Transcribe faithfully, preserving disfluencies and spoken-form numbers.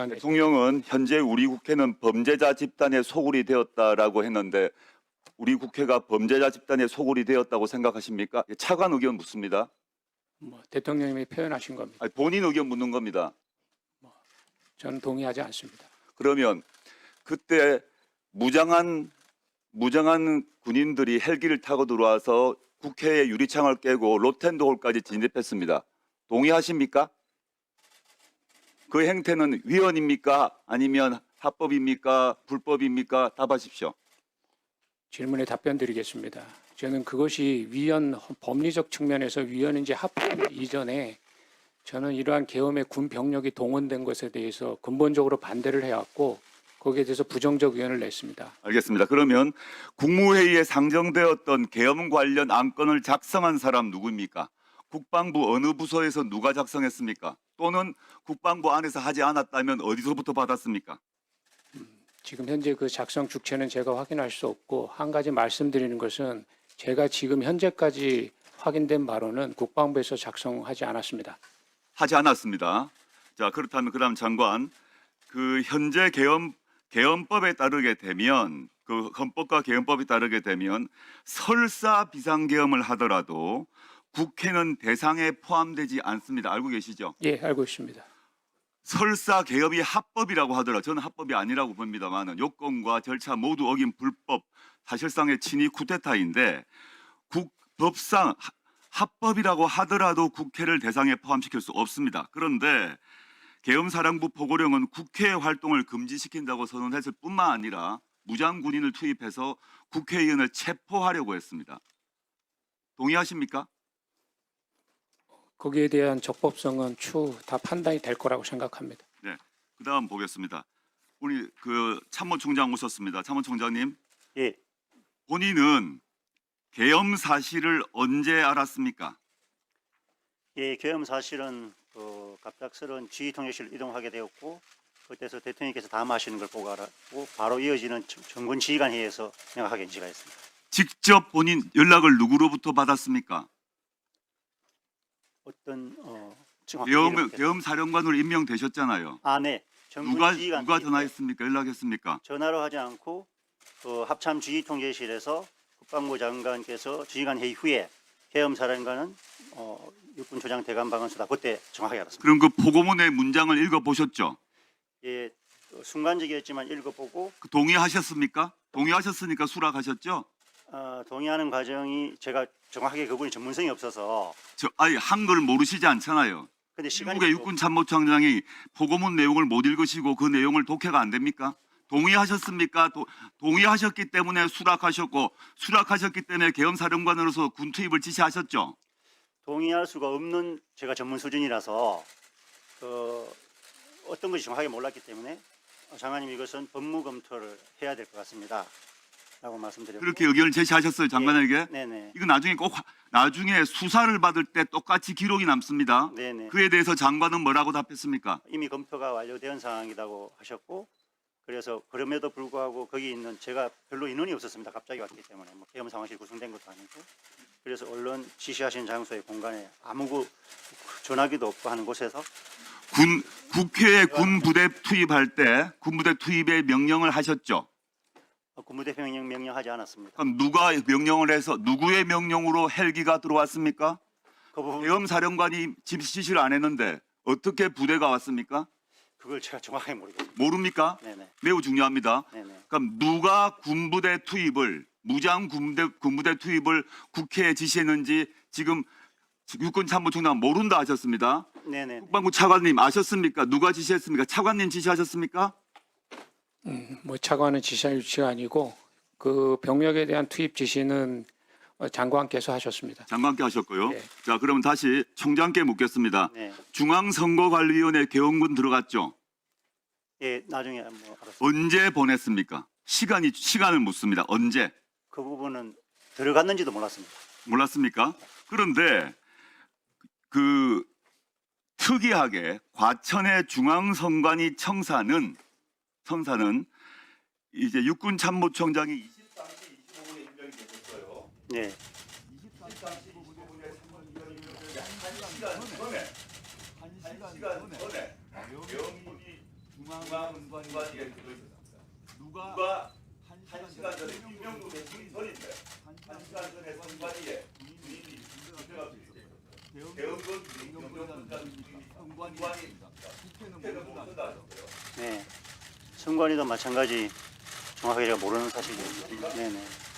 대통령은 현재 우리 국회는 범죄자 집단의 소굴이 되었다라고 했는데 우리 국회가 범죄자 집단의 소굴이 되었다고 생각하십니까? 차관 의견 묻습니다. 뭐 대통령님이 표현하신 겁니다. 아니, 본인 의견 묻는 겁니다. 저는 동의하지 않습니다. 그러면 그때 무장한 무장한 군인들이 헬기를 타고 들어와서 국회의 유리창을 깨고 로텐도홀까지 진입했습니다. 동의하십니까? 그 행태는 위헌입니까? 아니면 합법입니까? 불법입니까? 답하십시오. 질문에 답변 드리겠습니다. 저는 그것이 위헌 법리적 측면에서 위헌인지 합법 이전에 저는 이러한 계엄의 군 병력이 동원된 것에 대해서 근본적으로 반대를 해왔고 거기에 대해서 부정적 의견을 냈습니다. 알겠습니다. 그러면 국무회의에 상정되었던 계엄 관련 안건을 작성한 사람 누구입니까? 국방부 어느 부서에서 누가 작성했습니까? 또는 국방부 안에서 하지 않았다면 어디서부터 받았습니까? 지금 현재 그 작성 주체는 제가 확인할 수 없고 한 가지 말씀드리는 것은 제가 지금 현재까지 확인된 바로는 국방부에서 작성하지 않았습니다. 하지 않았습니다. 자, 그렇다면 그다음 장관, 그 현재 계엄 계엄법에 따르게 되면 그 헌법과 계엄법에 따르게 되면 설사 비상계엄을 하더라도 국회는 대상에 포함되지 않습니다. 알고 계시죠? 예, 알고 있습니다. 설사 계엄이 합법이라고 하더라도 저는 합법이 아니라고 봅니다만 요건과 절차 모두 어긴 불법, 사실상의 친위 쿠데타인데 국, 법상 합법이라고 하더라도 국회를 대상에 포함시킬 수 없습니다. 그런데 계엄사령부 포고령은 국회 활동을 금지시킨다고 선언했을 뿐만 아니라 무장군인을 투입해서 국회의원을 체포하려고 했습니다. 동의하십니까? 거기에 대한 적법성은 추후 다 판단이 될 거라고 생각합니다. 네. 그다음 보겠습니다. 우리 그 참모총장 오셨습니다. 참모총장님. 예, 본인은 계엄 사실을 언제 알았습니까? 예, 계엄 사실은 그 갑작스러운 지휘통역실을 이동하게 되었고 그때서 대통령께서 담화하시는 걸 보고 알았고 바로 이어지는 정군 지휘관 회의에서 명확하게 인지가 했습니다. 직접 본인 연락을 누구로부터 받았습니까? 어떤 어, 정확히 계엄, 이렇게- 계엄 사령관으로 임명되셨잖아요. 아, 네. 정군 누가 지휘관 누가 회의 때 전화했습니까? 연락했습니까? 전화로 하지 않고 그 합참 지휘통제실에서 국방부 장관께서 지휘관 회의 후에 계엄 사령관은 어, 육군 조장 대감 방언수다. 그때 정확하게 알았습니다. 그럼 그 포고문의 문장을 읽어 보셨죠? 예, 그 순간적이었지만 읽어보고 그 동의하셨습니까? 동의하셨으니까 수락하셨죠? 어, 동의하는 과정이 제가 정확하게 그분이 전문성이 없어서 저 아니 한글 모르시지 않잖아요. 근데 시간이 미국의 또- 육군 참모총장이 포고문 내용을 못 읽으시고 그 내용을 독해가 안 됩니까? 동의하셨습니까? 도, 동의하셨기 때문에 수락하셨고 수락하셨기 때문에 계엄사령관으로서 군 투입을 지시하셨죠. 동의할 수가 없는 제가 전문 수준이라서 그 어떤 것이 정확하게 몰랐기 때문에 장관님 이것은 법무 검토를 해야 될 것 같습니다. 라고 말씀드렸고 그렇게 의견을 제시하셨어요, 장관에게. 네네. 이거 나중에 꼭 화- 나중에 수사를 받을 때 똑같이 기록이 남습니다. 네네. 그에 대해서 장관은 뭐라고 답했습니까? 이미 검토가 완료된 상황이라고 하셨고 그래서 그럼에도 불구하고 거기 있는 제가 별로 인원이 없었습니다. 갑자기 왔기 때문에 뭐 계엄 상황실 구성된 것도 아니고 그래서 언론 지시하신 장소의 공간에 아무 그 전화기도 없고 하는 곳에서 군 국회에 군 부대 투입할 때 군 부대 투입의 명령을 하셨죠. 군부대 명령 명령하지 않았습니다. 그럼 누가 명령을 해서 누구의 명령으로 헬기가 들어왔습니까? 그 부분 계엄 사령관이 지시를 안 했는데 어떻게 부대가 왔습니까? 그걸 제가 정확하게 모르겠습니다. 모릅니까? 네네. 매우 중요합니다. 네네. 그럼 누가 군부대 투입을 무장 군부대 군부대 투입을 국회에 지시했는지 지금 육군 참모총장 모른다 하셨습니다. 네네. 국방부 차관님 아셨습니까? 누가 지시했습니까? 차관님 지시하셨습니까? 음, 뭐 차관은 지시할 위치가 아니고 그 병력에 대한 투입 지시는 어, 장관께서 하셨습니다. 장관께 하셨고요. 네. 자, 그러면 다시 총장께 묻겠습니다. 네. 중앙선거관리위원회 계엄군 들어갔죠? 예, 나중에 뭐 알았습니다. 언제 보냈습니까? 시간이 시간을 묻습니다. 언제? 그 부분은 들어갔는지도 몰랐습니다. 몰랐습니까? 그런데 그 특이하게 과천의 중앙선관위 청사는 청사는 이제 육군 참모총장이 이십삼 시 이십오 분에 임명이 되셨어요. 네. 이십삼 시 이십오 분에 삼월 이월 임명이 한 시간 전에 한 시간 전에 계엄군이 중앙선관위에 들어있었습니다. 누가 한 시간 전에 김명국의 증인설인데 한 시간 전에 선관위에 군인이 문제가 있었어요. 대응건 선관위입니다. 국회는 모른다 하셨어요. 네. 선관위도 마찬가지 정확하게 제가 모르는 사실이에요. 네네.